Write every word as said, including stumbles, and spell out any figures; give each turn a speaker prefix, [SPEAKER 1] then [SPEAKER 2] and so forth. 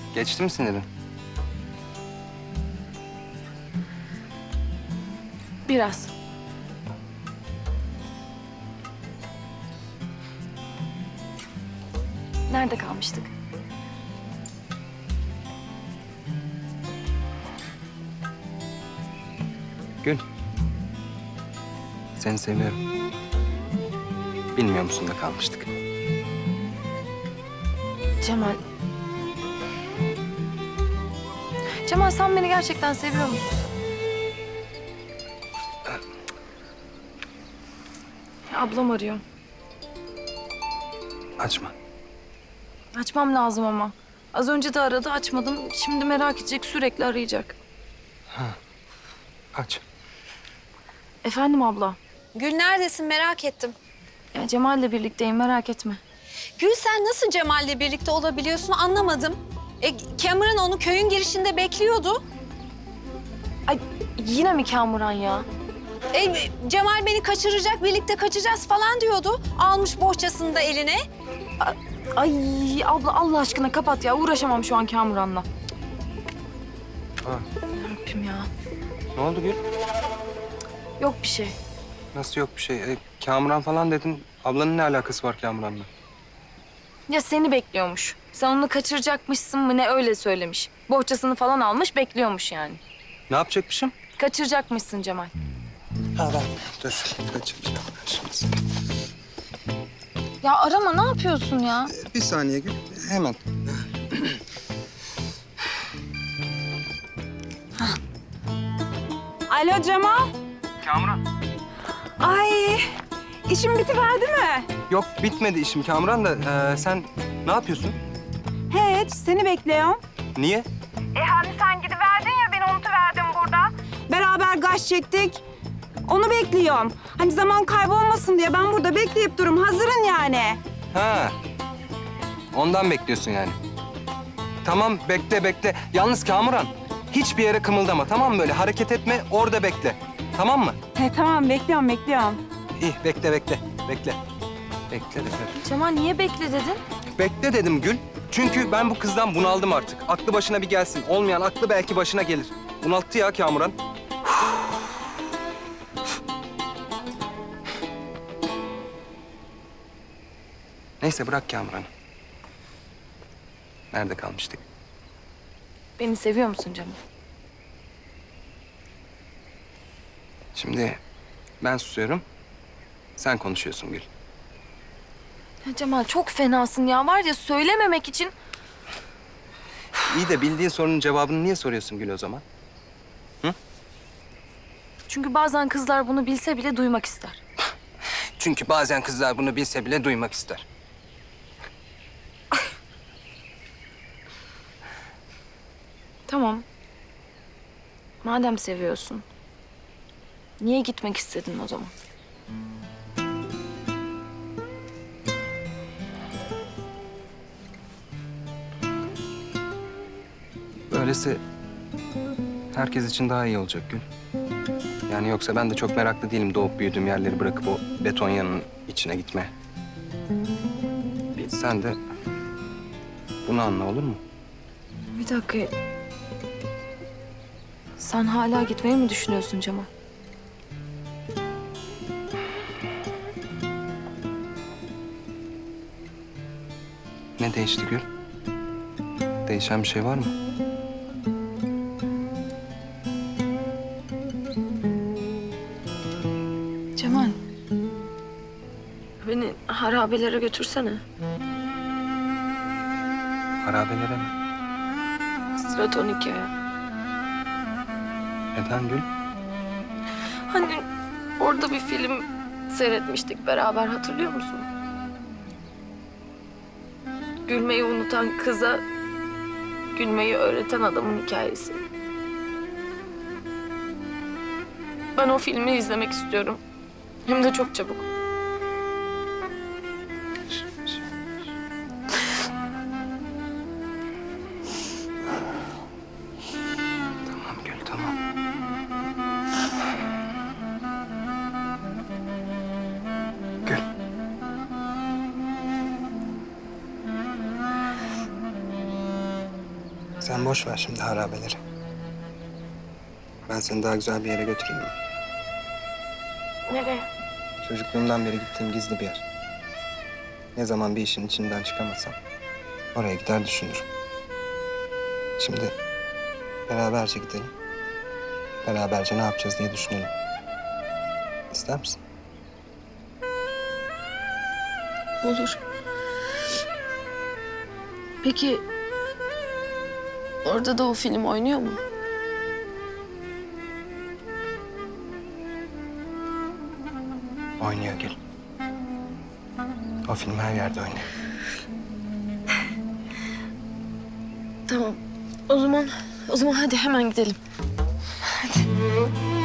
[SPEAKER 1] Geçti mi sinirin?
[SPEAKER 2] Biraz. Nerede kalmıştık?
[SPEAKER 1] Gül. Seni seviyorum. Bilmiyor musun da kalmıştık.
[SPEAKER 2] Cemal. Cemal sen beni gerçekten seviyor musun? Ablam arıyor.
[SPEAKER 1] Açma.
[SPEAKER 2] Açmam lazım ama. Az önce de aradı, açmadım. Şimdi merak edecek, sürekli arayacak.
[SPEAKER 1] Aç.
[SPEAKER 2] Efendim abla.
[SPEAKER 3] Gül neredesin merak ettim.
[SPEAKER 2] Ya Cemal'le birlikteyim, merak etme.
[SPEAKER 3] Gül sen nasıl Cemal'le birlikte olabiliyorsun anlamadım. E, Cameron onu köyün girişinde bekliyordu.
[SPEAKER 2] Ay yine mi Kamuran ya?
[SPEAKER 3] E, Cemal beni kaçıracak, birlikte kaçacağız falan diyordu. Almış bohçasını da eline.
[SPEAKER 2] Ay abla Allah aşkına kapat ya. Uğraşamam şu an Kamuran'la.
[SPEAKER 1] Ha.
[SPEAKER 2] Rabbim ya.
[SPEAKER 1] Ne oldu Gül?
[SPEAKER 2] Yok bir şey.
[SPEAKER 1] Nasıl yok bir şey? E, Kamuran falan dedin. Ablanın ne alakası var Kamuran'la?
[SPEAKER 2] Ya seni bekliyormuş. Sen onu kaçıracakmışsın mı ne öyle söylemiş. Bohçasını falan almış bekliyormuş yani.
[SPEAKER 1] Ne yapacakmışım?
[SPEAKER 2] Kaçıracakmışsın Cemal.
[SPEAKER 1] Ha ben dur. Kaçıracağım şimdi.
[SPEAKER 2] Ya arama ne yapıyorsun ya?
[SPEAKER 1] Bir saniye Gül. Hemen.
[SPEAKER 4] Alo Cemal.
[SPEAKER 1] Kamuran.
[SPEAKER 4] Ay, işim bitiverdi mi?
[SPEAKER 1] Yok bitmedi işim Kamuran da e, sen ne yapıyorsun?
[SPEAKER 4] Hiç, seni bekliyorum.
[SPEAKER 1] Niye?
[SPEAKER 4] E hani sen gidiverdin ya, beni unutuverdim burada. Beraber gaz çektik. Onu bekliyorum. Hani zaman kaybolmasın diye ben burada bekleyip durum. Hazırın yani.
[SPEAKER 1] Ha. Ondan bekliyorsun yani. Tamam bekle bekle. Yalnız Kamuran hiçbir yere kımıldama tamam mı böyle? Hareket etme orada bekle. Tamam mı?
[SPEAKER 4] He tamam, bekliyorum, bekliyorum.
[SPEAKER 1] İyi bekle bekle bekle. Bekle bekle.
[SPEAKER 2] Cemal niye bekle dedin?
[SPEAKER 1] Bekle dedim Gül. Çünkü ben bu kızdan bunaldım artık. Aklı başına bir gelsin. Olmayan aklı belki başına gelir. Bunalttı ya Kamuran. Neyse bırak Kamuran'ı. Nerede kalmıştık?
[SPEAKER 2] Beni seviyor musun Cemal?
[SPEAKER 1] Şimdi ben susuyorum. Sen konuşuyorsun Gül.
[SPEAKER 2] Ya Cemal çok fenasın ya. Var ya söylememek için...
[SPEAKER 1] İyi de bildiğin sorunun cevabını niye soruyorsun Gül o zaman?
[SPEAKER 2] Çünkü bazen kızlar bunu bilse bile duymak ister.
[SPEAKER 1] Çünkü bazen kızlar bunu bilse bile duymak ister.
[SPEAKER 2] Tamam. Madem seviyorsun, niye gitmek istedin o zaman?
[SPEAKER 1] Böylesi herkes için daha iyi olacak Gül. Yani yoksa ben de çok meraklı değilim doğup büyüdüğüm yerleri bırakıp o beton yanının içine gitmeye. Sen de bunu anla olur mu?
[SPEAKER 2] Bir dakika. Sen hala gitmeyi mi düşünüyorsun Cemal?
[SPEAKER 1] Ne değişti Gül? Değişen bir şey var mı?
[SPEAKER 2] Cemal. Beni harabelere götürsene.
[SPEAKER 1] Harabelere mi?
[SPEAKER 2] Stratonika'ya.
[SPEAKER 1] Neden Gül?
[SPEAKER 2] Hani orada bir film seyretmiştik beraber, hatırlıyor musun? Gülmeyi unutan kıza gülmeyi öğreten adamın hikayesi. Ben o filmi izlemek istiyorum. Hem de çok çabuk.
[SPEAKER 1] Tamam Gül tamam. Gül. Sen boş ver şimdi harabeleri. Ben seni daha güzel bir yere götüreyim mi?
[SPEAKER 2] Nereye?
[SPEAKER 1] Çocukluğumdan beri gittiğim gizli bir yer. Ne zaman bir işin içinden çıkamasam oraya gider düşünürüm. Şimdi beraberce gidelim. Beraberce ne yapacağız diye düşünelim. İster misin?
[SPEAKER 2] Olur. Peki orada da o film oynuyor mu?
[SPEAKER 1] Oynuyor Gül. O film her yerde oynuyor.
[SPEAKER 2] Tamam. O zaman o zaman hadi hemen gidelim. Hadi.